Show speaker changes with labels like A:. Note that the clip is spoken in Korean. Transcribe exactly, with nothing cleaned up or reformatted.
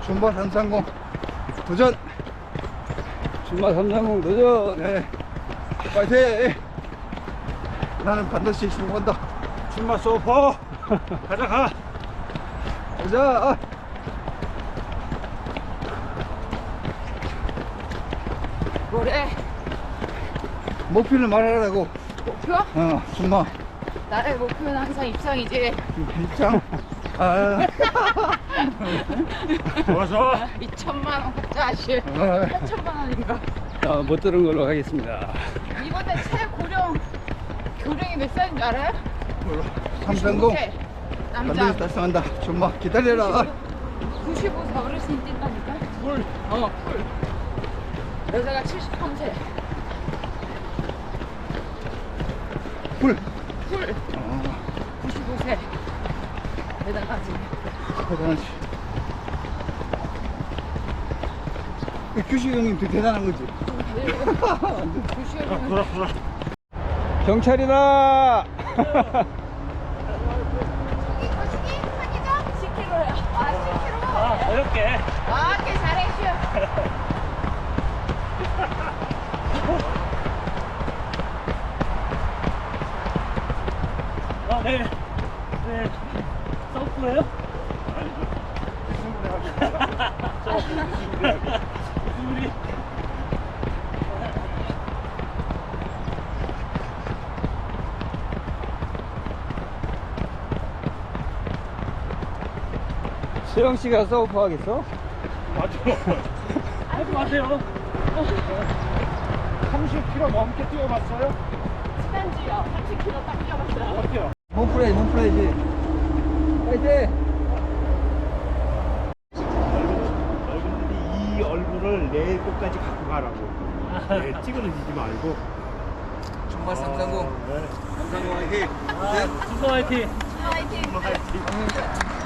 A: 줌바 삼삼공 도전.
B: 줌바 삼삼공 도전.
A: 네. 파이팅. 나는 반드시 성공한다.
C: 줌바 소포. 가자 가.
A: 가자.
D: 뭐래?
A: 목표를 말하라고.
D: 목표?
A: 어, 줌바.
D: 나의 목표는 항상 입상이지.
A: 입장. 아,
C: 좋아 좋아.
D: 이천만 원 짜시.
A: 아,
D: 팔천만 원인가?
B: 자, 못 들은 걸로 하겠습니다.
D: 이번에 최고령 교령이 몇 살인 줄 알아요?
A: 삼삼공
D: 구십오 세. 남자.
A: 반드시 달성한다. 줌바 기다려라.
D: 구십오 세 어르신이 뛴다니까?
C: 물.
D: 어, 풀. 여자가 칠십삼 세.
A: 풀.
D: 풀.
A: 어,
D: 구십오 세. 대단하지.
A: 대단하지. 이 규식 형님 되게 대단한 거지.
D: 구십오
C: 돌아 돌아.
B: 경찰이다.
D: 십 킬로야. 아, 십 킬로.
C: 아 어렵게.
D: 아, 꽤 잘해, 쉬어.
C: 아 네. 네. 서프예요? 우리
B: 수영 씨가 서프 하겠어?
C: 맞아. 하지 마세요. 삼십 킬로미터 넘게 뛰어봤어요?
D: 지난주요. 삼십 킬로 딱 뛰어봤어요.
C: 어때요?
A: 몸프레이, 몸프레이지. 파이팅.
C: 여러분들이 이 얼굴을 내일 끝까지 갖고 가라고. 네, 찌그러지지 말고.
A: 줌바 삼삼공.
C: 네.
A: 삼삼공 화이팅.
C: 아, 준서 화이팅.
D: 화이팅!
C: 화이팅.